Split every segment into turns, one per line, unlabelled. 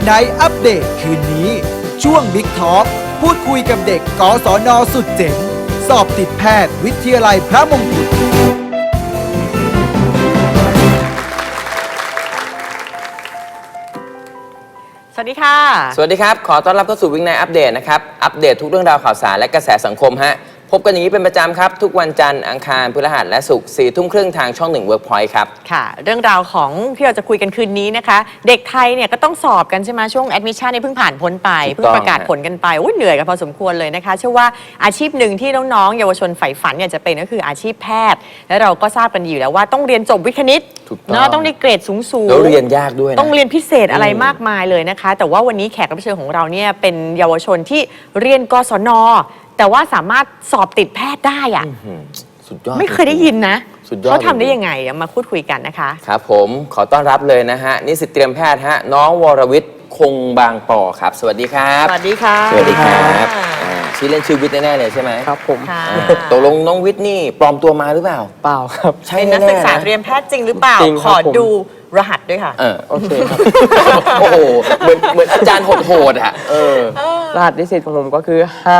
Night อัปเดตคืนนี้ช่วง Big Talk พูดคุยกับเด็กกศน.สุดเจ๋งสอบติดแพทย์วิทยาลัยพระมงกุฎ
สวัสดีค่ะ
สวัสดีครับขอต้อนรับเข้าสู่วิ่งในอัปเดตนะครับอัปเดตทุกเรื่องราวข่าวสารและกระแสสังคมฮะพบกันอย่างนี้เป็นประจำครับทุกวันจันทร์อังคารพฤหัสและศุกร์4 ทุ่มครึ่งทางช่อง1 Workpoint ครับ
ค่ะเรื่องราวของที่เราจะคุยกันคืนนี้นะคะเด็กไทยเนี่ยก็ต้องสอบกันใช่ไหมช่วงแอดมิชชั่นเนี่ยเพิ่งผ่านพ้นไปเพิ่งประกาศผลกันไปเหนื่อยกันพอสมควรเลยนะคะเชื่อว่าอาชีพหนึ่งที่น้องๆเยาวชนใฝ่ฝันเนี่ยจะเป็นก็คืออาชีพแพทย์และเราก็ทราบกันอยู่แล้วว่าต้องเรียนจบวิทย์คณิตเนาะต้องได้เกรดสูงๆ
แล้วเรียนยากด้วยนะ
ต้องเรียนพิเศษอะไรมากมายเลยนะคะแต่ว่าวันนี้แขกรับเชิญของเราเนี่ยเป็นเยาวชนที่เรียนกศน.แต่ว่าสามารถสอบติดแพทย์ได้อะ
สุดยอด
ไม่เคยได้ยินนะ
สุดยอด
เขาทำได้ยังไงมาพูดคุยกันนะคะ
ครับผมขอต้อนรับเลยนะฮะนิสิตเตรียมแพทย์ฮะน้องวรวิทย์คงบางปอครับสวัสดีครับ
สวัสดีค่ะ
สวัสดีครับชื่อเล่นชื่อวิทย์แน่ๆเลยใช่ไหม
ครับผม
ตกลงน้องวิทย์นี่ปลอมตัวมาหรือเปล่า
เปล่าครับ
ใช่
เป็นนักศึกษาเตรียมแพทย์จริงหรือเปล่าขอดูรหัสด้วยค่ะ
โอเคครับ
โอ้โหเหมือนอาจารย์โหดๆอ่ะ
รหัสนิสิตของผมก็คือ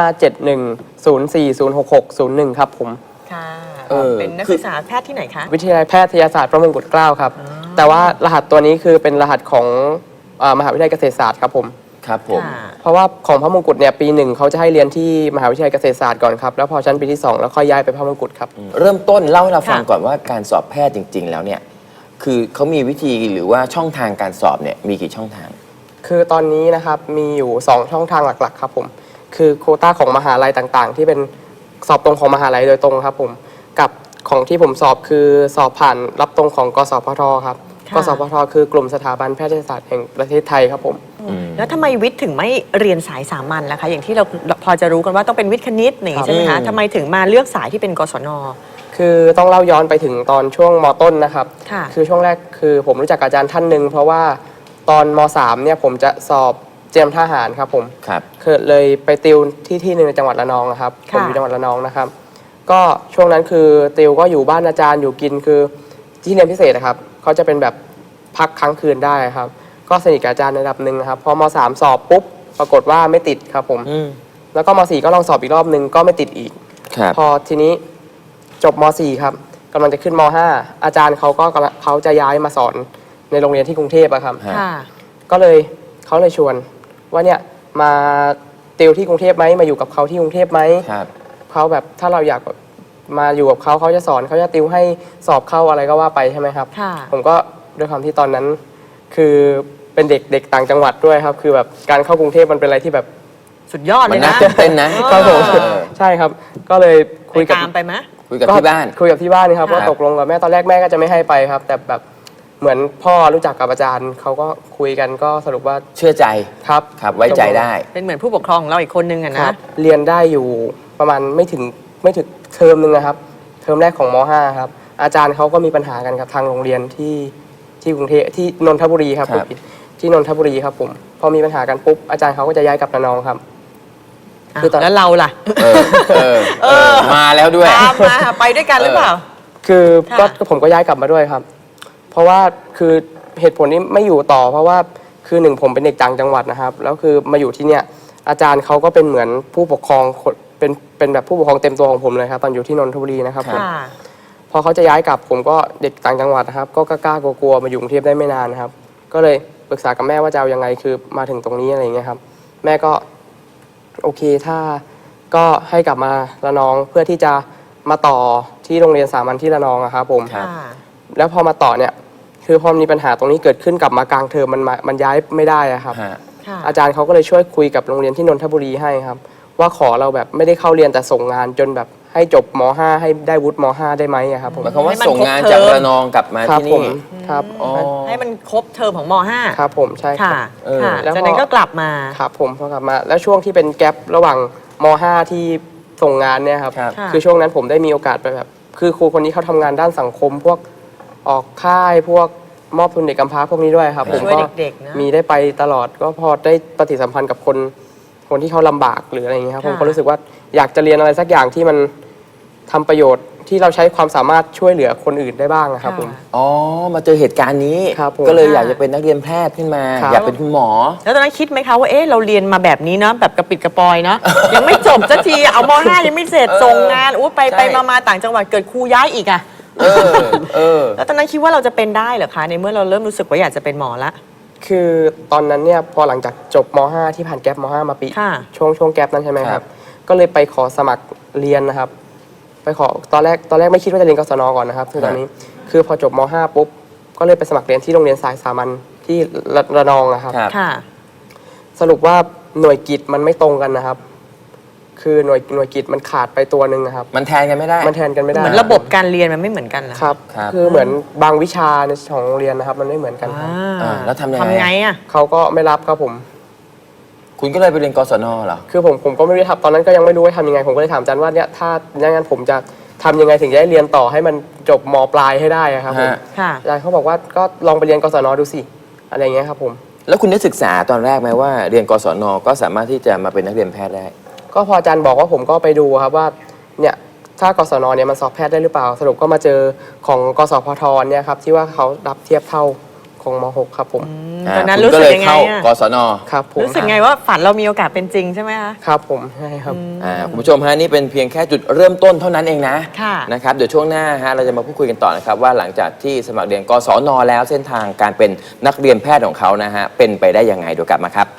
57104066001 ครับผม
ค่ะเป็นนักศึกษาแพทย์ที่ไหนคะ
วิทยาลัยแพทยศาสตร์พระมงกุฎเกล้าครับแต่ว่ารหัสตัวนี้คือเป็นรหัสของมหาวิทยาลัยเกษตรศาสตร์ครับผม
ครับผม
เพราะว่าของพระมงกุฎเนี่ยปี1เขาจะให้เรียนที่มหาวิทยาลัยเกษตรศาสตร์ก่อนครับแล้วพอชั้นปีที่2แล้วค่อยย้ายไปพระมงกุฎครับ
เริ่มต้นเล่าให้เราฟังก่อนว่าการสอบแพทย์จริงๆแล้วเนี่ยคือเขามีวิธีหรือว่าช่องทางการสอบเนี่ยมีกี่ช่องทาง
คือตอนนี้นะครับมีอยู่2ช่องทางหลักๆครับผมคือโควต้าของมหาลัยต่างๆที่เป็นสอบตรงของมหาลัยโดยตรงครับผมกับของที่ผมสอบคือสอบผ่านรับตรงของกสพทครับกสพทคือกลุ่มสถาบันแพทยศาสตร์แห่งประเทศไทยครับผม
แล้วทำไมวิทย์ถึงไม่เรียนสายสามัญล่ะคะอย่างที่เราพอจะรู้กันว่าต้องเป็นวิทย์คณิตใช่ไหมคะทำไมถึงมาเลือกสายที่เป็นกศน.
คือต้องเล่าย้อนไปถึงตอนช่วงม.ต้นนะครับคือช่วงแรกคือผมรู้จักอาจารย์ท่านหนึ่งเพราะว่าตอนม.3 เนี่ยผมจะสอบเตรียมทหารครับผมคือเลยไปติวที่หนึ่งในจังหวัดระนองครับผมอยู่จังหวัดระนองนะครับก็ช่วงนั้นคือติวก็อยู่บ้านอาจารย์อยู่กินคือที่เรียนพิเศษนะครับเขาจะเป็นแบบพักค้างคืนได้ครับก็สนิทกับอาจารย์ในระดับหนึ่งนะครับพอม.3 สอบปุ๊บปรากฏว่าไม่ติดครับผมแล้วก็ม.4 ก็ลองสอบอีกรอบนึงก็ไม่ติดอีกพอทีนี้จบม.4 ครับกำลังจะขึ้นม.5 อาจารย์เขาจะย้ายมาสอนในโรงเรียนที่กรุงเทพอะครับก็เลยเขาเลยชวนว่าเนี่ยมาติวที่กรุงเทพไหมมาอยู่กับเขาที่กรุงเทพไหมเขาแบบถ้าเราอยากมาอยู่กับเขาจะสอนเขาจะติวให้สอบเข้าอะไรก็ว่าไปใช่ไหมครับผมก็ด้วยความที่ตอนนั้นคือเป็นเด็กต่างจังหวัดด้วยครับคือแบบการเข้ากรุงเทพมันเป็นอะไรที่แบบ
สุดยอดเลยนะ
เต้นนะครับ
ผมใช่ครับก็เลยคุยกับ
ไปไหม
คุยกับที่บ้าน
ครับว่าตกลงกับแม่ตอนแรกแม่ก็จะไม่ให้ไปครับแต่แบบเหมือนพ่อรู้จักกับอาจารย์เขาก็คุยกันก็สรุปว่า
เชื่อใจ
ครับ
ไว้ใจได้
เป็นเหมือนผู้ปกครองของเราอีกคนนึงอะนะ
เรียนได้อยู่ประมาณไม่ถึงเทอมนึงนะครับเทอมแรกของม.5 ครับอาจารย์เขาก็มีปัญหากันกับทางโรงเรียนที่กรุงเทพที่นนทบุรีครับที่นนทบุรีครับผมพอมีปัญหากันปุ๊บอาจารย์เขาก็จะย้ายกลับระนองครับ
คือแล้วเราล่ะ
มาแล้วด้วย
มาไปด้วยกันหรือเปล่า
คือก็ผมก็ย้ายกลับมาด้วยครับเพราะว่าคือเหตุผลนี้ไม่อยู่ต่อเพราะว่าคือหนึ่งผมเป็นเด็กต่างจังหวัดนะครับแล้วคือมาอยู่ที่เนี่ยอาจารย์เขาก็เป็นเหมือนผู้ปกครองเป็นแบบผู้ปกครองเต็มตัวของผมเลยครับตอนอยู่ที่นนทบุรีนะครับผมพอเขาจะย้ายกลับผมก็เด็กต่างจังหวัดนะครับก็กล้ากลัวมาอยู่กรุงเทพได้ไม่นานนะครับก็เลยปรึกษากับแม่ว่าจะเอายังไงคือมาถึงตรงนี้อะไรอย่างเงี้ยครับแม่ก็โอเคถ้าก็ให้กลับมาระนองเพื่อที่จะมาต่อที่โรงเรียนสามัญที่ระนองครับผมแล้วพอมาต่อเนี่ยคือพอมีปัญหาตรงนี้เกิดขึ้นกลับมากลางเทอมมันย้ายไม่ได้ครับอาจารย์เขาก็เลยช่วยคุยกับโรงเรียนที่นนทบุรีให้ครับว่าขอเราแบบไม่ได้เข้าเรียนแต่ส่งงานจนแบบให้จบม.5 ให้ได้วุฒิม.5 ได้ไหมครับผม
หมายความว่าส่งงานจากระนองกลับมาที่นี่
ครับ
ให้มันครบเทอมของม.5
ครับผมใช่
ค่ะแล้วจากนั้นก็กลับมา
ครับผมพอกลับมาแล้วช่วงที่เป็นแกประหว่างม.5 ที่ส่งงานเนี่ยครับคือช่วงนั้นผมได้มีโอกาสไปแบบคือครูคนนี้เขาทำงานด้านสังคมพวกออกค่ายพวกมอบทุนเด็กกำพร้าพวกนี้ด้วยครับผมก็มีได้ไปตลอดก็พอได้ปฏิสัมพันธ์กับคนที่เขาลำบากหรืออะไรอย่างเงี้ยครับผมก็รู้สึกว่าอยากจะเรียนอะไรสักอย่างที่มันทำประโยชน์ที่เราใช้ความสามารถช่วยเหลือคนอื่นได้บ้างนะครับผม
อ๋อ มาเจอเหตุการณ์นี้
ครับผม
ก็เลยอยากจะเป็นนักเรียนแพทย์ขึ้นมา
ครับ
อยากเป็นคุณหมอ
แล้วตอนนั้นคิดไหมคะว่าเอ๊ะเราเรียนมาแบบนี้เนาะแบบกระปิดกระปอยเนาะ ยังไม่จบสักทีเอาม .5 ยังไม่เสร็จส่งงานไป
ใช่
ไปมาต่างจังหวัดเกิดครูย้ายอีกอะ แล้วตอนนั้นคิดว่าเราจะเป็นได้เหรอคะในเมื่อเราเริ่มรู้สึกว่าอยากจะเป็นหมอละ
คือตอนนั้นเนี่ยพอหลังจากจบม .5 ที่ผ่านแกลบม .5 มาปี
ค่ะ
ช่วงแกลบนั้นใช่ไหมค
ครั
รับ
บ
ก็เลยไปขอสมัครเรียนนะครับ ไปขอตอนแรกไม่คิดว่าจะเรียนกศนก่อนนะครับคือตอนนี้คือพอจบม .5 ปุ๊บก็เลยไปสมัครเรียนที่โรงเรียนสายสามัญที่ระนองนะครับ
ครับ
ค่ะ
สรุปว่าหน่วยกิตมันไม่ตรงกันนะครับ คือหน่วยกิตมันขาดไปตัวหนึ่งนะครับ
มันแทนกันไม่ได้
มันแทนกันไม่ได้
เหมือนระบบการเรียนมันไม่เหมือนกันเหรอ
ครับ
ครับ
คือเหมือนบางวิชาในของโรงเรียนนะครับ มันไม่เหมือนกันครับ
แล้วทำยังไง
ทำไงอะ
เขาก็ไม่รับครับผม
คุณก็เลยไปเรียนกศนเหรอ
คือผมก็ไม่รู้ทำตอนนั้นก็ยังไม่รู้ว่าทำยังไงผมก็เลยถามอาจารย์ว่าเนี่ยถ้าอย่างนั้นผมจะทำยังไงถึงจะได้เรียนต่อให้มันจบมปลายให้ได้อะครับผม
ฮะ
ค่ะ
อาจารย์เขาบอกว่าก็ลองไปเรียนกศนดูสิอะไรอย่างเงี้ยครับผม
แล้วคุณได้ศึกษาตอนแรกไหมว่าเรียนกศนก็สามารถที่จะมาเป็นนักเรียนแพทย์ได้
ก็พออาจารย์บอกว่าผมก็ไปดูครับว่าเนี่ยถ้ากศนเนี่ยมันสอบแพทย์ได้หรือเปล่า สรุปก็มาเจอของกสพทเนี่ยครับที่ว่าเขารับเทียบเท่าของม .6 ครับผม
ตอนนั้น
คุณ
รู้สึก
เลย
ยังไง
เข้า
อะ
กศน
ครับผม
รู้สึกไงว่าฝันเรามีโอกาสเป็นจริงใช่ไหมคะ
ครับผมใช่ครับ
คุณผู้ชมฮะนี่เป็นเพียงแค่จุดเริ่มต้นเท่านั้นเองนะ
ค่ะ
นะครับเดี๋ยวช่วงหน้าฮะเราจะมาพูดคุยกันต่อนะครับว่าหลังจากที่สมัครเรียนกศนแล้วเส้นทางการเป็นนักเรียนแพทย์ของเขานะฮะเป็นไปได้ยังไงเดี๋ยวกลับมาครับ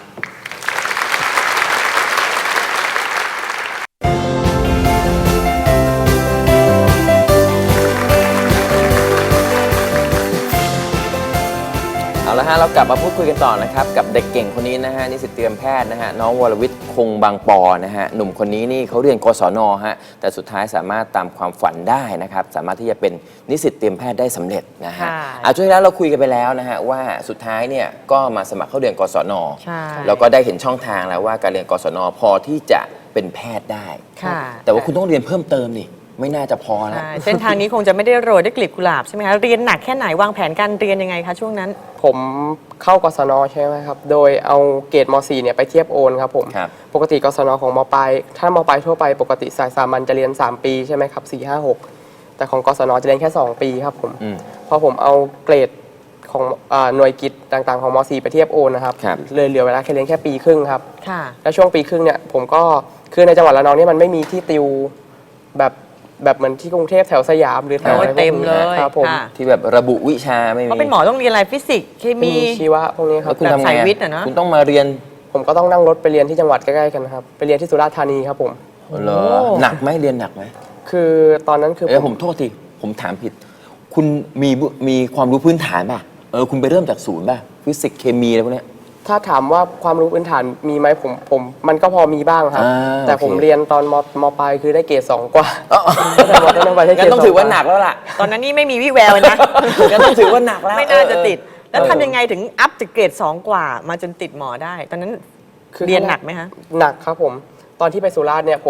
เอาละฮะเรากลับมาพูดคุยกันต่อนะครับกับเด็กเก่งคนนี้นะฮะนิสิตเตรียมแพทย์นะฮะน้องวรวิทย์คงบางปอนะฮะหนุ่มคนนี้นี่เขาเรียนกศนฮะแต่สุดท้ายสามารถตามความฝันได้นะครับสามารถที่จะเป็นนิสิตเตรียมแพทย์ได้สำเร็จนะฮะ
ค่ะ
ช่วงที่แล้วเราคุยกันไปแล้วนะฮะว่าสุดท้ายเนี่ยก็มาสมัครเข้าเรียนกศน
ใช่
แล้วก็ได้เห็นช่องทางแล้วว่าการเรียนกศนพอที่จะเป็นแพทย์ได้
ค่ะ
แต่ว่าคุณต้องเรียนเพิ่มเติมนี่ไม่น่าจะพอนะ
ใช่เส้นทางนี้คงจะไม่ได้โรยด้วยกลีบกุหลาบใช่ไหมคะเรียนหนักแค่ไหนวางแผนการเรียนยังไงคะช่วงนั้น
ผมเข้ากศนใช่ไหมครับ โดยเอาเกรดม .4 เนี่ยไปเทียบโอนครับผม
ครับ
ปกติกศนของมปลายถ้ามปลายทั่วไปปกติสายสามัญจะเรียน 3 ปีใช่ไหมครับ 4 5 6 แต่ของกศนจะเรียนแค่ 2 ปีครับผม
อืม
พอผมเอาเกรดของหน่วยกิตต่างๆของม .4 ไปเทียบโอนนะครับ
ครับ
เลยเหลือเวลาแค่เรียนแค่ปีครึ่งครับ
ค่ะ
แล้วช่วงปีครึ่งเนี่ยผมก็คือในจังหวัดระนองเนี่ยมันไม่มีที่ติวแบบเหมือนที่กรุงเทพแถวสยามหรือแถวอะไรพวก
เต็ม
นี้
เลย
ครับผม
ค่ะ
ที่แบบระบุวิชาไม่มี
เพราะเป็นหมอต้องเรียนอะไรฟิสิกส์เค
มี
มี
ชีวะพวกนี้ค
แล้
รั
ว
บ
คุณทำไง
แบบสายวิทย์อะเนอะ
คุณต้องมาเรียน
ผมก็ต้องนั่งรถไปเรียนที่จังหวัดใกล้ๆกันนะครับไปเรียนที่สุราษฎร์ธานีครับผม
เหรอหนักไหมเรียนหนักไหม
คือตอนนั้นคือ
ผมโทษทีผมถามผิด คุณมีความรู้พื้นฐานป่ะคุณไปเริ่มจากศูนย์ป่ะฟิสิกส์เคมีอะไรพวกเนี้ย
ถ้าถามว่าความรู้พื้นฐานมีไหมผมมันก็พอมีบ้างครับ
อ่า
แต่
โอเค
ผมเรียนตอนมปลายคือได้เกรด2 กว่าแต่มต้นไปได้เกร
งั้
ด
นต้องถือว่าหนักแล้วล่ะ
ตอนนั้นนี่ไม่มีวิแววเลยนะ
งั้นต้องถือว่าหนักแล้ว
ไม่น่าจะติด แล้ว
เออ
ทำยังไงถึงอัพจากเกรด 2 กว่า มาจนติดหมอได้ ตอนนั้น
คือ
เรียนหนักไหมคะ
หนักครับผมตอนที่ไปสุราษฎร์เนี่ย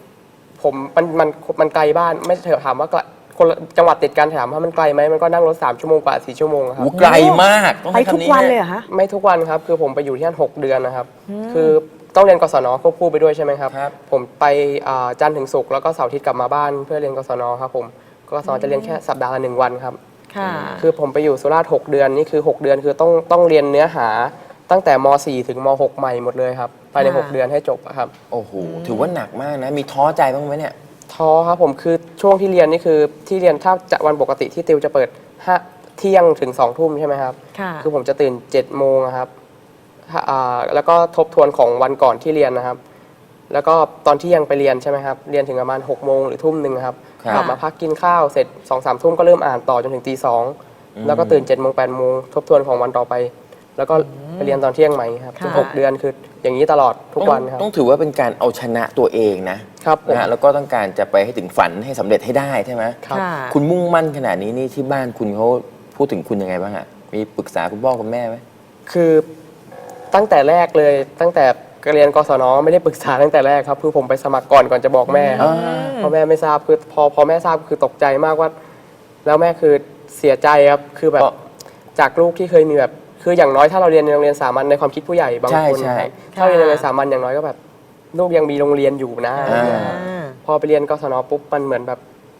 มันไกลบ้านไม่เถอะถามว่าคนละจังหวัดติดกันถามว่ามันไกลไหมมันก็นั่งรถ3 ชั่วโมงกว่า4 ชั่วโมงครับ
โอ้ไกลมากต้อง
ไป
ใช้
ทุก
คำนี้
วัน
ฮะ
เลยเหรอคะ
ไม่ทุกวันครับ คือผมไปอยู่ที่นั่น6 เดือนนะครับ คือต้องเรียนกศนควบคู่ไปด้วยใช่ไหมครับ
ครับ
ผมไปจันทร์ถึงศุกร์แล้วก็เสาร์อาทิตย์กลับมาบ้านเพื่อเรียนกศนครับผมกศนจะเรียนแค่สัปดาห์ละ1 วันครับ
ค่ะ
คือผมไปอยู่สุราษฎร์6 เดือนนี่คือ 6 เดือนคือต้องเรียนเนื้อหาตั้งแต่ม .4 ถึงม .6 ใหม่หมดเลยครับภายใน
ค่ะ
6 เดือนให้จบอะครับ
โอ้โหถือว่าหนักมากนะ มีท้อใจบ้างไหมเนี่ย
ท้อครับผมคือช่วงที่เรียนนี่คือที่เรียนถ้าจะวันปกติที่ติวจะเปิดเที่ยงถึง2 ทุ่มใช่ไหมครับ
ค่ะ
คือผมจะตื่น7 โมงอะครับแล้วก็ทบทวนของวันก่อนที่เรียนนะครับ แล้วก็ตอนที่ยังไปเรียนใช่ไหมครับเรียนถึงประมาณ6 โมงหรือทุ่มหนึ่งครับ
ครับ
กลับมาพักกินข้าวเสร็จ2-3 ทุ่มก็เริ่มอ่านต่อจนถึงตี 2แล้วก็ตื่น7 โมง 8 โมงทบทวนของวันต่อไป แล้วก็ไปเรียนตอนเที่ยงใหม่ครับ
ค่ะ
ทุก6 เดือนคืออย่างนี้ตลอดทุกวันครับ
ต้องถือว่าเป็นการเอาชนะตัวเองนะครับ
ผม
นะฮะแล้วก็ต้องการจะไปให้ถึงฝันให้สำเร็จให้ได้ใช่ไหม
ครับ
ค่ะ
คุณมุ่งมั่นขนาดนี้นี่ที่บ้านคุณเขาพูดถึงคุณยังไงบ้างอะมีปรึกษาคุณพ่อคุณแม่ไหม
คือตั้งแต่แรกเลยตั้งแต่เรียนกศนไม่ได้ปรึกษาตั้งแต่แรกครับคือผมไปสมัครก่อนจะบอกแม่ครับเพราะแม่ไม่ทราบคือพอแม่ทราบคือตกใจมากว่า แล้วแม่คือเสียใจครับคือแบบจากลูกที่เคยมีแบบคืออย่างน้อยถ้าเราเรียนในโรงเรียนสามัญในความคิดผู้ใหญ่บางคน
ใช่
นะครับถ้าเรียนในโรงเรียนสามัญอย่างน้อยก็แบบลูกยังมีโรงเรียนอยู่นะอะไรเงี้ยครับ
อ่า
พอไปเรียนกศนปุ๊บมันเหมือนแบบ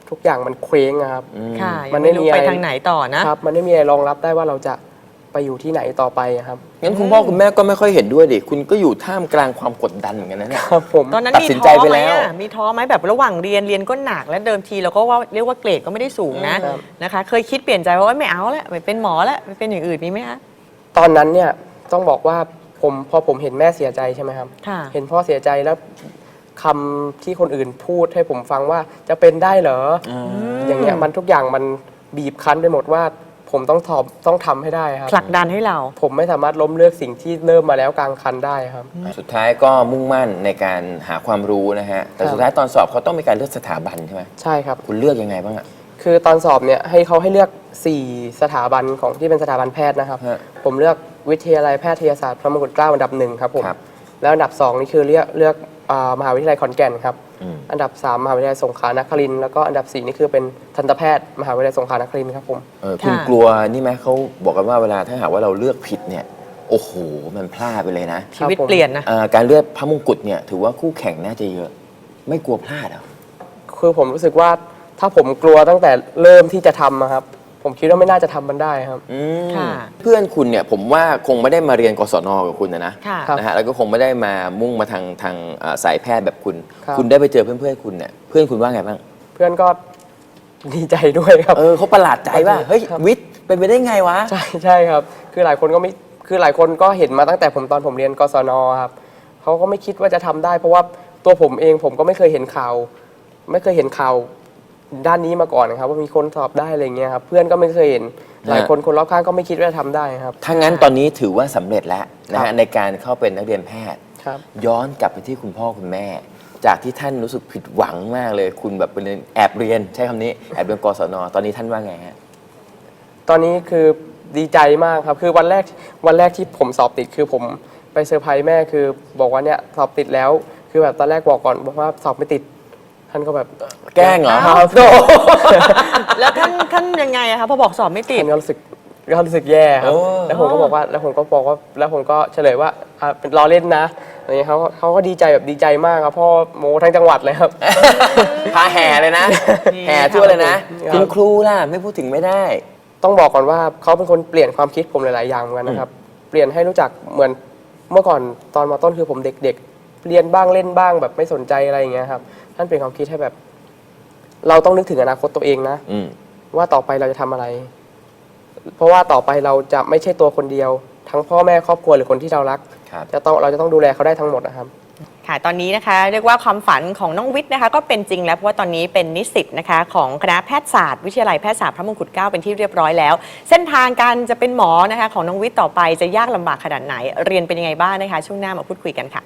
ทุกอย่างมันเคว้งอะครับ
ค่ะ
มั
มัน
นไม่
ไม่
มี
รู้
อะไร
ไปทางไหนต่อนะครับ
มันไม่มีอะไรรองรับได้ว่าเราจะไปอยู่ที่ไหนต่อไปอะครับ
งั้นคุณพ่อคุณแม่ก็ไม่ค่อยเห็นด้วยดิคุณก็อยู่ท่ามกลางความกดดันเหมือนกันนะเนี่ย
ครับผม
ตอนนั้น
ตัด
มี
สิน
ท้
ใจ
อ
ไป
ไหม
แล้ว
อะมีท้อไหมแบบระหว่างเรียนก็หนักและเดิมทีเราก็ว่าเรียกว่าเกรดก็ไม่ได้สูงนะครับ นะคะ เคยคิดเปลี่ยนใจว่าไม่เอาแล้วไม่เป็นหมอแล้วไม่เป็นอย่างอื่นมีไหมคะ
ตอนนั้นเนี่ยต้องบอกว่าพอผมเห็นแม่เสียใจใช่ไหมครับ
ค่ะ
เห็นพ่อเสียใจแล้วคำที่คนอื่นพูดให้ผมฟังว่าจะเป็นได้เหรออย่างเงี้ยมันทุกอย่างมันบีบคั้นไปหมดว่าผมต้องทำให้ได้ครับ
ผลักดันให้เรา
ผมไม่สามารถล้มเลิกสิ่งที่เริ่มมาแล้วกลางคันได้ครับ
สุดท้ายก็มุ่งมั่นในการหาความรู้นะฮะ แต่สุดท้ายตอนสอบเขาต้องมีการเลือกสถาบันใช่ไหม
ใช่ครับ
คุณเลือกยังไงบ้างอะ
คือตอนสอบเนี่ยให้เขาให้เลือก 4 สถาบันของที่เป็นสถาบันแพทย์นะครับ
ฮะ
ผมเลือกวิทยาลัยแพทยศาสตร์พระมงกุฎเกล้าอันดับ 1ครับผม
ครับ
แล้วอันดับ 2 นี่คือเลือกมหาวิทยาลัยขอนแก่นครับ
อืม
อันดับ 3 มหาวิทยาลัยสงขลานครินทร์แล้วก็อันดับ 4 นี่คือเป็นทันตแพทย์มหาวิทยาลัยสงขลานครินทร์ครับผม
คุณ
ค่ะ
กลัวนี่ไหมเขาบอกกันว่าเวลาถ้าหากว่าเราเลือกผิดเนี่ย โอ้โห มันพลาดไปเลยนะ
ชีวิตเปลี่ยนนะ
การเลือกพระมงกุฎเนี่ยถือว่าคู่แข่งน่าจะเยอะ ไม่กลัวพลาดเหรอ
คือผมรู้สึกว่าถ้าผมกลัวตั้งแต่เริ่มที่จะทำอะครับ ผมคิดว่าไม่น่าจะทำมันได้ครับ
อืม
ค่ะ
เพื่อนคุณเนี่ยผมว่าคงไม่ได้มาเรียนกศนกับคุณนะ
ค่ะ
ครับ
นะฮะแล้วก็คงไม่ได้มามุ่งมาทางสายแพทย์แบบคุณ
ครับ
คุณได้ไปเจอเพื่อนๆคุณเนี่ยเพื่อนคุณว่าไงบ้าง
เพื่อนก็ดีใจด้วยครับ
เขาประหลาดใจว่าเฮ้ย
ครับ
วิทย์เป็นไปได้ไงวะ
ใช่ครับ คือหลายคนก็เห็นมาตั้งแต่ตอนผมเรียนกศนครับเขาก็ไม่คิดว่าจะทำได้ เพราะว่าตัวผมเองผมก็ไม่เคยเห็นข่าว ไม่เคยเห็นข่าวด้านนี้มาก่อนนะครับ ว่ามีคนสอบได้อะไรเงี้ยครับเพื่อนก็ไม่เคยเห็นหลายคนรอบข้างก็ไม่คิดว่าจะทำได้ครับ
ถ้างั้นตอนนี้ถือว่าสำเร็จแล้วนะ
ครั
ฮะ
บ
ในการเข้าเป็นนักเรียนแพทย์
ครับ
ย้อนกลับไปที่คุณพ่อคุณแม่ จากที่ท่านรู้สึกผิดหวังมากเลย คุณแบบไปเรียนแอบเรียนใช้คำนี้แอบเรียนกศนตอนนี้ท่านว่าไงฮะ
ตอนนี้คือดีใจมากครับคือวันแรกที่ผมสอบติดคือผมไปเซอร์ไพรส์แม่คือบอกว่าเนี่ยสอบติดแล้ว คือแบบตอนแรกบอกก่อนบอกว่าสอบไม่ติดท่านก็แบบ
แกล้งเหรอ
ครับ
แล้วท่านยังไงอะคะพอบอกสอบไม่ติด
ท่านก็รู้สึกแย่ครับ
โอ้
แล้วผมก็บอกว่าแล้วผมก็เฉลยว่าเป็นล้อเล่นนะอะไรเงี้ยเขาก็ดีใจแบบดีใจมากครับพ่อโมทั้งจังหวัดเลยครับ
พาแห่เลยนะ
นี่
แห่ทั่วเลยนะ
ครับ
คุณครูล่ะไม่พูดถึงไม่ได้
ต้องบอกก่อนว่าเขาเป็นคนเปลี่ยนความคิดผมหลาย ๆ อย่างเหมือนกันนะครับ เปลี่ยนให้รู้จักเหมือนเมื่อก่อนตอนมต้นคือผมเด็ก ๆ เรียนบ้างเล่นบ้างแบบไม่สนใจอะไรอย่างเงี้ยครับท่านเปลี่ยนความคิดให้แบบ เราต้องนึกถึงอนาคตตัวเองนะ
อืม
ว่าต่อไปเราจะทำอะไร เพราะว่าต่อไปเราจะไม่ใช่ตัวคนเดียว ทั้งพ่อแม่ครอบครัวหรือคนที่เรารัก
ครับ
เราจะต้องดูแลเขาได้ทั้งหมดนะครับ
ค่ะตอนนี้นะคะเรียกว่าความฝันของน้องวิทย์นะคะก็เป็นจริงแล้วเพราะว่าตอนนี้เป็นนิสิตนะคะของคณะแพทยศาสตร์วิทยาลัยแพทยศาสตร์พระมงกุฎเกล้าเป็นที่เรียบร้อยแล้ว เส้นทางการจะเป็นหมอนะคะของน้องวิทย์ต่อไปจะยากลำบากขนาดไหน เรียนเป็นยังไงบ้างนะคะช่วงหน้ามาพูดคุยกันค่ะ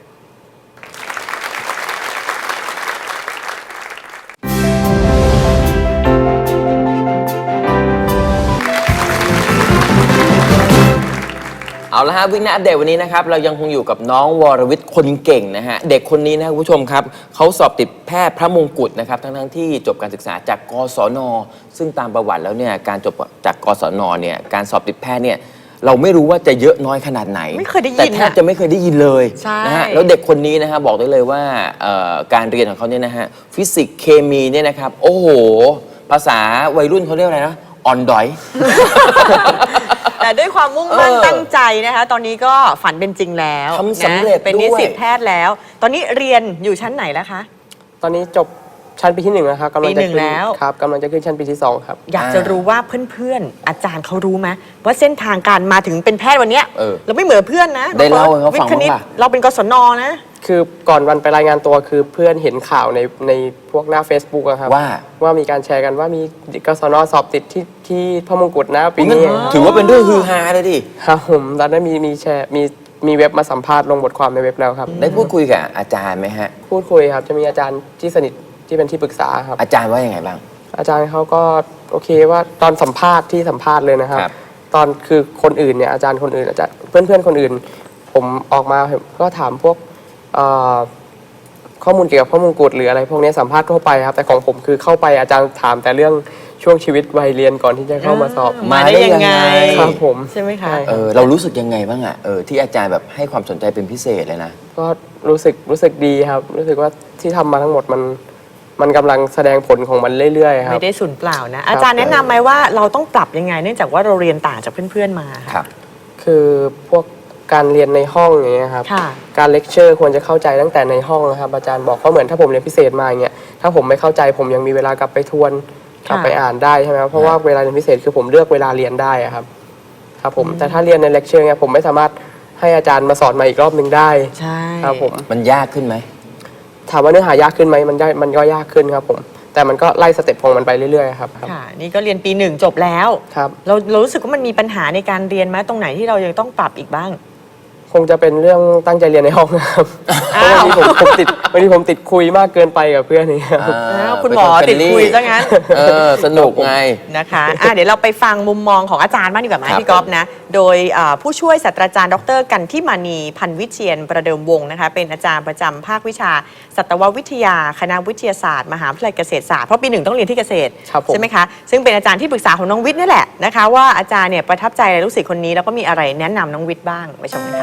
เอาละฮะวิกหน้าอัปเดตวันนี้นะครับเรายังคงอยู่กับน้องวรวิทย์คนเก่งนะฮะเด็กคนนี้นะครับคุณผู้ชมครับเขาสอบติดแพทย์พระมงกุฎนะครับทั้งที่จบการศึกษาจากกศนซึ่งตามประวัติแล้วเนี่ยการจบจากกศนเนี่ยการสอบติดแพทย์เนี่ยเราไม่รู้ว่าจะเยอะน้อยขนาดไหน
ไม่เคยได้ยิน
แต่แทบจะไม่เคยได้ยินเลย
ใช่
นะฮะแล้วเด็กคนนี้นะฮะบอกได้เลยว่าการเรียนของเขาเนี่ยนะฮะฟิสิกส์เคมีเนี่ยนะครับโอ้โหภาษาวัยรุ่นเขาเรียกอะไรนะอ่อนดอย
แต่ด้วยความมุ่งมั่น
เออ
ตั้งใจนะคะตอนนี้ก็ฝันเป็นจริงแล้ว
ทำสำเร็จ
นะเป็นนิสิต
ด้วย
แพทย์แล้ว ตอนนี้เรียนอยู่ชั้นไหนแล้วคะ
ตอนนี้จบชั้นปีที่ 1 นะครับกำลังจะ
ปีหนึ่ง
ขึ้น
แล้ว
ครับกำลังจะขึ้นชั้นปีที่ 2 ครับ
อยากจะรู้ว่าเพื่อนๆ อาจารย์เขารู้ไหมว่าเส้นทางการมาถึงเป็นแพทย์วันเนี้ย
เรา
ไม่เหมือนเพื่อนนะ
ได้เล่าให้เขาฟัง
วิทย์คณิต
บ้างป่ะ
เราเป็นกศนนะ
คือก่อนวันไปรายงานตัวคือเพื่อนเห็นข่าวในพวกหน้า Facebook อะครับ ว่ามีการแชร์กันว่ามีกศนสอบติดที่พระมงกุฎนะปีนี้
ถือว่าเป็นเรื่องฮือฮาเลยดิ
ครับผมตอนนั้นมีแชร์มีเว็บมาสัมภาษณ์ลงบทความในเว็บแล้วครับ
ได้พูดคุยกับอาจารย์ไหมฮะ
พูดคุยครับจะมีอาจารย์ที่สนิทที่เป็นที่ปรึกษาครับ
อาจารย์ว่ายังไงบ้าง
อาจารย์เขาก็โอเคว่าตอนสัมภาษณ์เลยนะครับ
ครับ
ตอนคือคนอื่นเนี่ยอาจารย์คนอื่นอาจารย์เพื่อนคนอื่น ผมออกมาก็ถามพวกข้อมูลเกี่ยวกับข้อมูลกุฎหรืออะไรพวกนี้สัมภาษณ์ทั่วไปครับแต่ของผมคือเข้าไปอาจารย์ถามแต่เรื่องช่วงชีวิตวัยเรียนก่อนที่จะเข้ามาสอบ
มาได้ยังไง
ครับผม
ใช่ไหมคะ
ใช่
เรารู้สึกยังไงบ้างอะที่อาจารย์แบบให้ความสนใจเป็นพิเศษเลยนะ
ก็รู้สึกดีครับ รู้สึกว่าที่ทำมาทั้งหมดมันกำลังแสดงผลของมันเรื่อยๆครับ
ไม่ได้สูญเปล่านะอาจารย์แนะนำไหมว่าเราต้องปรับยังไงเนื่องจากว่าเราเรียนต่างจากเพื่อนๆมา
ครั
ค่ะ
บ
คือพวกการเรียนในห้องอย่างเงี้ยครับ
ค่ะ
การเลคเชอร์ควรจะเข้าใจตั้งแต่ในห้องนะครับอาจารย์บอกเพราะเหมือนถ้าผมเรียนพิเศษมาอย่างเงี้ยถ้าผมไม่เข้าใจผมยังมีเวลากลับไปทวนกลับไปอ่านได้ใช่ไหมครับเพราะว่าเวลาเรียนพิเศษคือผมเลือกเวลาเรียนได้อะครับครับผมแต่ถ้าเรียนในเลคเชอร์เนี่ยผมไม่สามารถให้อาจารย์มาสอนมาอีกรอบหนึ่งได้
ใช่
ครับผม
มันยากขึ้นไหม
ถามว่าเนื้อหายากขึ้นไหมมันก็ยากขึ้นครับผมแต่มันก็ไล่สเต็ปของมันไปเรื่อยๆครับ
ค่ะนี่ก็เรียนปี 1 จบแล้ว
ครับ
เรารู้สึกว่ามันมีปัญหาในการเรียนไหมตรงไหนที่เรายังต้องปรับอีกบ้าง
คงจะเป็นเรื่องตั้งใจเรียนในห้องนะครับเพ
อ้าว
ราะบางทีผมติดคุยมากเกินไปกับเพื่อนนี่ครับ
อ้าวคุณหมอติดคุยซะงั้น
สนุกไง
นะคะเดี๋ยวเราไปฟังมุมมองของอาจารย์บ้างดีกว่าไหม
ครับ
พี่ก๊อฟนะ โดยผู้ช่วยศาสตราจารย์ดรกันทิมานีพันวิเชียนประเดิมวงศ์นะคะเป็นอาจารย์ประจำภาควิชาสัตววิทยาคณะวิทยาศาสตร์มหาวิทยาลัยเกษตรศาสตร์เพราะปี 1ต้องเรียนที่เกษตร
ครับผม
ใช่ไหมคะซึ่งเป็นอาจารย์ที่ปรึกษาของน้องวิทย์นี่แหละนะคะว่าอาจารย์เนี่ยประทับใจอะไรลูกศิษย์คนนี้แล้วก็มีอะไรแนะนำน้องวิทย์บ้างไปชมกันค่ะ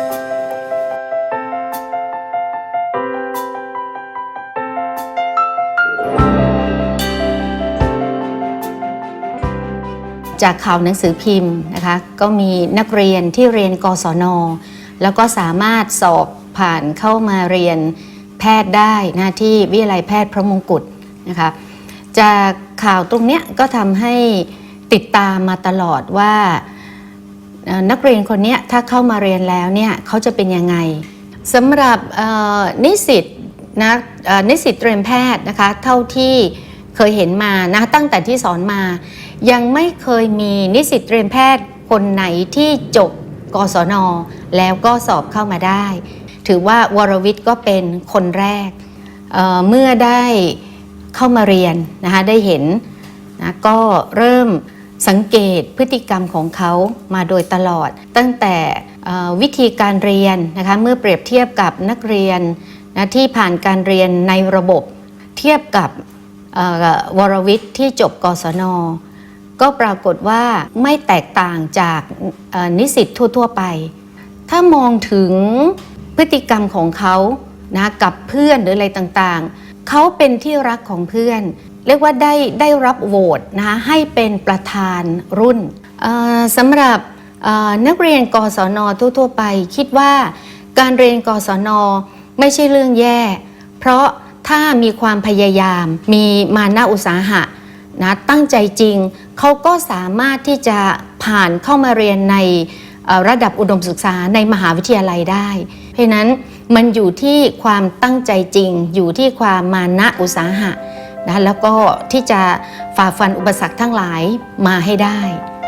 จากข่าวหนังสือพิมพ์นะคะก็มีนักเรียนที่เรียนกศน.แล้วก็สามารถสอบผ่านเข้ามาเรียนแพทย์ได้นะที่วิทยาลัยแพทย์พระมงกุฎนะคะจากข่าวตรงเนี้ยก็ทำให้ติดตามมาตลอดว่านักเรียนคนนี้ถ้าเข้ามาเรียนแล้วเนี่ยเขาจะเป็นยังไงสำหรับนิสิตนิสิตเตรียมแพทย์นะคะเท่าที่เคยเห็นมานะตั้งแต่ที่สอนมายังไม่เคยมีนิสิตเตรียมแพทย์คนไหนที่จบกศน.แล้วก็สอบเข้ามาได้ถือว่าวรวิทย์ก็เป็นคนแรกเมื่อได้เข้ามาเรียนนะคะได้เห็นนะก็เริ่มสังเกตพฤติกรรมของเขามาโดยตลอดตั้งแต่วิธีการเรียนนะคะเมื่อเปรียบเทียบกับนักเรียนนะที่ผ่านการเรียนในระบบเทียบกับวรวิทย์ที่จบกศน.ก็ปรากฏว่าไม่แตกต่างจากนิสิตทั่วๆไปถ้ามองถึงพฤติกรรมของเขานะกับเพื่อนหรืออะไรต่างๆเขาเป็นที่รักของเพื่อนเรียกว่าได้รับโหวตนะคะให้เป็นประธานรุ่นสำหรับนักเรียนกศน.ทั่วๆไปคิดว่าการเรียนกศน.ไม่ใช่เรื่องแย่เพราะถ้ามีความพยายามมีมานะอุตสาหะนะตั้งใจจริงเขาก็สามารถที่จะผ่านเข้ามาเรียนในระดับอุดมศึกษาในมหาวิทยาลัยได้เพราะนั้นมันอยู่ที่ความตั้งใจจริงอยู่ที่ความมานะอุตสาหะนะแล้วก็ที่จะฝ่าฟันอุปสรรคทั้งหลายมาให้ได้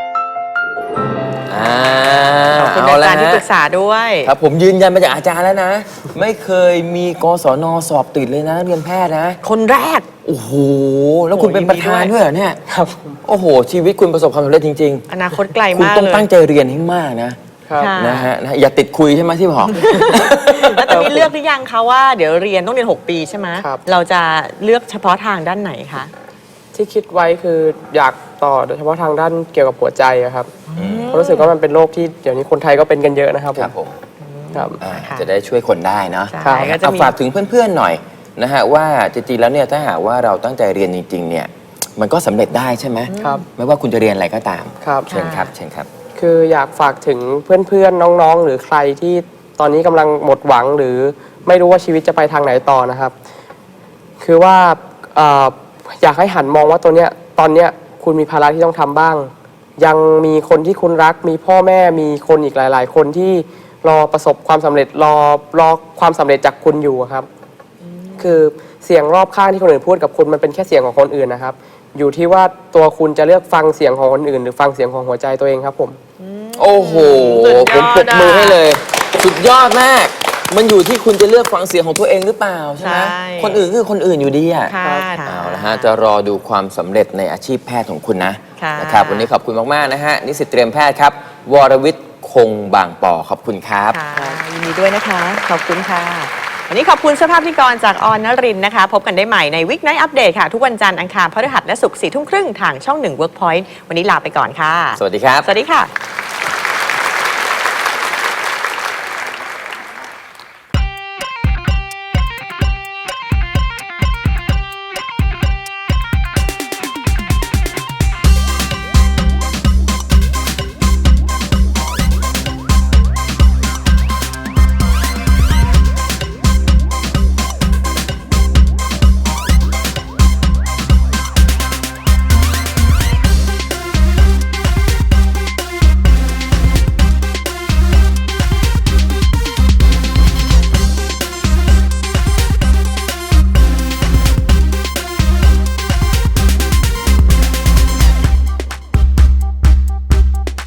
ขอบคุณอาจารย์ที่ปรึกษาด้วย
ครับผมยืนยันมาจากอาจารย์แล้วนะ ไม่เคยมีกศน.สอบติดเลยนะเรียนแพทย์นะ
คนแรก
โอ้โหแล้วคุณเป็นประธานด้วยเหรอเนี่ย
ครับ
โอ้โหชีวิตคุณประสบความสำเร็จจริง
ๆอนาคตไกลมากเลย
คุณต้องตั้งใจเรียนให้มากนะครับนะฮะอย่าติดคุยใช่ไหมที่บอก
แล้วตอนนี้เลือกหรือยังคะว่าเดี๋ยวเรียนต้องเรียน6 ปีใช่ไหมเราจะเลือกเฉพาะทางด้านไหนคะ
ที่คิดไว้คืออยากต่อโดยเฉพาะทางด้านเกี่ยวกับหัวใจครับเพราะรู้สึกว่ามันเป็นโรคที่เดี๋ยวนี้คนไทยก็เป็นกันเยอะนะครับผม
ครับจะได้ช่วยคนได้เนาะ
เอา
ฝากถึงเพื่อนๆหน่อยนะฮะว่าจริงๆแล้วเนี่ยถ้าหากว่าเราตั้งใจเรียนจริงๆเนี่ยมันก็สำเร็จได้ใช่ไหม
ครับ
ไม่ว่าคุณจะเรียนอะไรก็ตาม
ครับ
เชิญครับเชิญครับ
คืออยากฝากถึงเพื่อนๆน้องๆหรือใครที่ตอนนี้กำลังหมดหวังหรือไม่รู้ว่าชีวิตจะไปทางไหนต่อนะครับคือว่าอยากให้หันมองว่าตอนเนี้ยคุณมีภาระที่ต้องทำบ้างยังมีคนที่คุณรักมีพ่อแม่มีคนอีกหลายๆคนที่รอประสบความสำเร็จรอความสำเร็จจากคุณอยู่ครับคือเสียงรอบข้างที่คนอื่นพูดกับคุณมันเป็นแค่เสียงของคนอื่นนะครับอยู่ที่ว่าตัวคุณจะเลือกฟังเสียงของคนอื่นหรือฟังเสียงของหัวใจตัวเองครับผม
โอ้โหผมปรบมือให้เลยสุดยอดมากมันอยู่ที่คุณจะเลือกฟังเสียงของตัวเองหรือเปล่าใช่ไหมคนอื่นคือคนอื่นอยู่ดีอ่ะเอาละฮะจะรอดูความสำเร็จในอาชีพแพทย์ของคุณนะครับวันนี้ขอบคุณมากๆนะฮะนิสิตเตรียมแพทย์ครับวรวิทย์คงบางปอขอบคุณครับ
ยินดีด้วยนะคะขอบคุณค่ะวันนี้ขอบคุณสภาพพิธีกรจากออนนรินทร์นะคะพบกันได้ใหม่ในวิกไนท์อัปเดตค่ะทุกวันจันทร์อังคารพฤหัสและศุกร์ 4 ทุ่มครึ่งทางช่อง 1 Workpoint วันนี้ลาไปก่อนค่ะ
สวัสดีครับ
สวัสดีค่ะ